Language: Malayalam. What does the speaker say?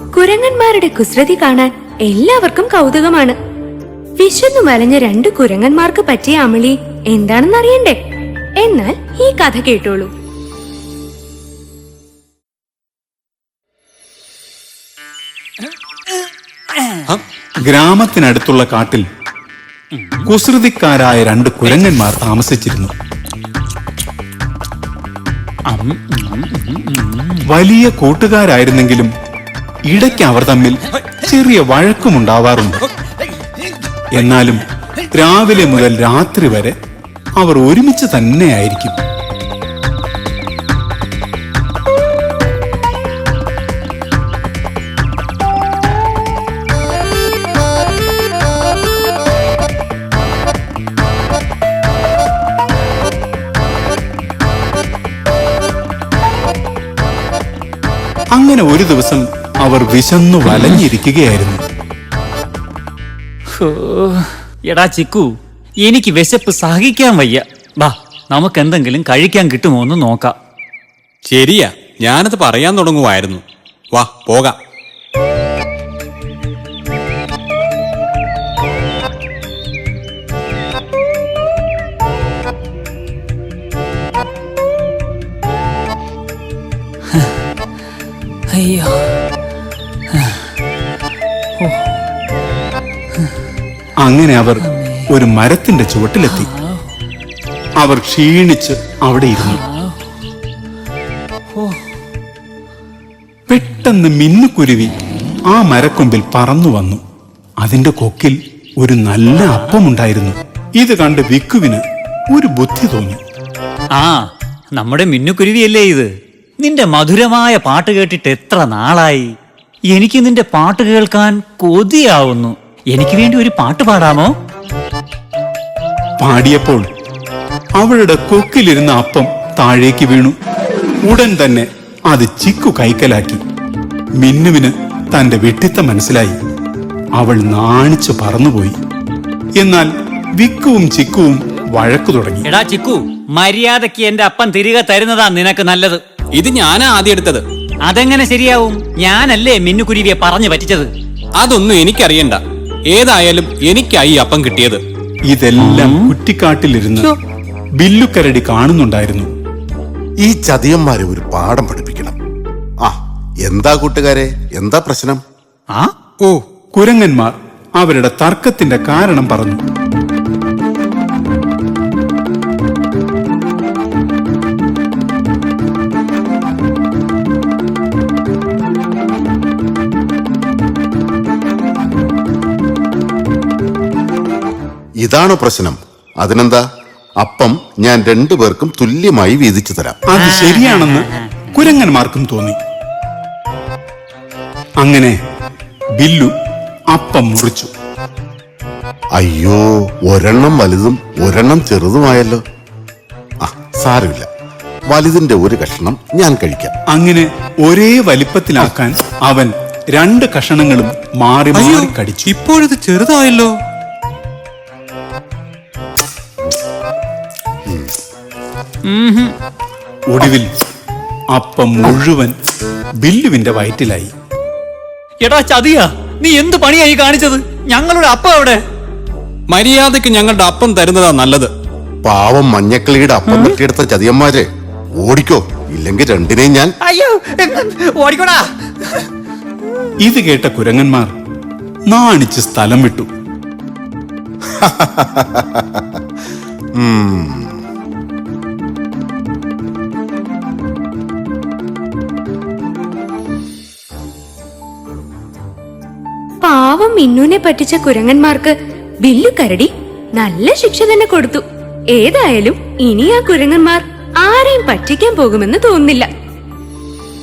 കുരങ്ങന്മാരുടെ കുസൃതി കാണാൻ എല്ലാവർക്കും കൗതുകമാണ്. വിശന്നു വലഞ്ഞ രണ്ട് കുരങ്ങന്മാർക്ക് പറ്റിയ അമളി എന്താണെന്ന് അറിയണ്ടേ? എന്നാൽ ഈ കഥ കേട്ടോളൂ. ഗ്രാമത്തിനടുത്തുള്ള കാട്ടിൽ കുസൃതിക്കാരായ രണ്ട് കുരങ്ങന്മാർ താമസിച്ചിരുന്നു. വലിയ കൂട്ടുകാരായിരുന്നെങ്കിലും ഇടയ്ക്ക് അവർ തമ്മിൽ ചെറിയ വഴക്കുമുണ്ടാവാറുണ്ട്. എന്നാലും രാവിലെ മുതൽ രാത്രി വരെ അവർ ഒരുമിച്ച് തന്നെയായിരിക്കും. അങ്ങനെ ഒരു ദിവസം അവർ വിശന്നു വലഞ്ഞിരിക്കുകയായിരുന്നു. എടാ ചിക്കു, എനിക്ക് വിശപ്പ് സഹിക്കാൻ വയ്യ. വാ, നമുക്ക് എന്തെങ്കിലും കഴിക്കാൻ കിട്ടുമോ എന്ന് നോക്കാം. ശരിയാ, ഞാനത് പറയാൻ തുടങ്ങുമായിരുന്നു. വാ പോകാം. അയ്യോ, അങ്ങനെ അവർ ഒരു മരത്തിന്റെ ചുവട്ടിലെത്തി. അവർ ക്ഷീണിച്ച് അവിടെ ഇരുന്നു. പെട്ടെന്ന് മിന്നുകുരുവി ആ മരക്കൊമ്പിൽ പറന്നു വന്നു. അതിന്റെ കൊക്കിൽ ഒരു നല്ല അപ്പമുണ്ടായിരുന്നു. ഇത് കണ്ട് വിക്കുവിന് ഒരു ബുദ്ധി തോന്നി. ആ, നമ്മുടെ മിന്നുകുരുവിയല്ലേ ഇത്? നിന്റെ മധുരമായ പാട്ട് കേട്ടിട്ട് എത്ര നാളായി. എനിക്ക് നിന്റെ പാട്ട് കേൾക്കാൻ കൊതിയാവുന്നു. എനിക്ക് വേണ്ടി ഒരു പാട്ട് പാടാമോ? പാടിയപ്പോൾ അവളുടെ കൊക്കിലിരുന്ന അപ്പം താഴേക്ക് വീണു. ഉടൻ തന്നെ അത് ചിക്കു കൈക്കലാക്കി. മിന്നുവിന് തന്റെ വിഡ്ഢിത്തം മനസ്സിലായി. അവൾ നാണിച്ചു പറന്നുപോയി. എന്നാൽ വിക്കുവും ചിക്കുവും വഴക്കു തുടങ്ങി. എടാ ചിക്കു, മര്യാദയ്ക്ക് എന്റെ അപ്പം തിരികെ തരുന്നതാ നിനക്ക് നല്ലത്. ഇത് ഞാനാ ആദ്യം എടുത്തത്. അതെങ്ങനെ ശരിയാവും? ഞാനല്ലേ മിന്നുകുരുവിയെ പറഞ്ഞു പറ്റിച്ചത്. അതൊന്നും എനിക്കറിയണ്ട. ഏതായാലും എനിക്കായി അപ്പം കിട്ടിയത്. ഇതെല്ലാം കുറ്റിക്കാട്ടിലിരുന്ന് ബില്ലുക്കരടി കാണുന്നുണ്ടായിരുന്നു. ഈ ചതിയന്മാരെ ഒരു പാഠം പഠിപ്പിക്കണം. ആ, എന്താ കൂട്ടുകാരെ, എന്താ പ്രശ്നം? കുരങ്ങന്മാർ അവരുടെ തർക്കത്തിന്റെ കാരണം പറഞ്ഞു. ഇതാണോ പ്രശ്നം? അതിനെന്താ, അപ്പം ഞാൻ രണ്ടുപേർക്കും തുല്യമായി വീതിച്ചു തരാം. അത് ശരിയാണെന്ന് കുരങ്ങന്മാർക്കും തോന്നി. അങ്ങനെ ബില്ലു അപ്പം മുറിച്ചു. അയ്യോ, ഒരെണ്ണം വലുതും ഒരെണ്ണം ചെറുതുമായല്ലോ. ആ, സാരമില്ല, വലുതിന്റെ ഒരു കഷ്ണം ഞാൻ കഴിക്കാം. അങ്ങനെ ഒരേ വലിപ്പത്തിലാക്കാൻ അവൻ രണ്ട് കഷണങ്ങളും മാറി മാറി കടിച്ചു. ഇപ്പോഴത് ചെറുതായല്ലോ. ഒടുവിൽ അപ്പം മുഴുവൻ ബില്ലുവിന്റെ വയറ്റിലായി. എടാ ചതിയാ, നീ എന്ത് പണിയായി കാണിച്ചത്? ഞങ്ങളുടെ അപ്പം എവിടെ? മര്യാദക്ക് ഞങ്ങളുടെ അപ്പം തരുന്നതാ നല്ലത്. പാവം മഞ്ഞക്കിളിയുടെ അപ്പം തട്ടിയെടുത്ത ചതിയന്മാരെ, ഓടിക്കോ, ഇല്ലെങ്കിൽ രണ്ടിനെയും ഞാൻ. അയ്യോ, ഓടിക്കോടാ. ഇത് കേട്ട കുരങ്ങന്മാർ നാണിച്ച് സ്ഥലം വിട്ടു. പാവം മിന്നുനെ പറ്റിച്ച കുരങ്ങന്മാർക്ക് ബില്ലുക്കരടി നല്ല ശിക്ഷ തന്നെ കൊടുത്തു. ഏതായാലും ഇനി ആ കുരങ്ങന്മാർ ആരെയും പറ്റിക്കാൻ പോകുമെന്ന് തോന്നുന്നില്ല.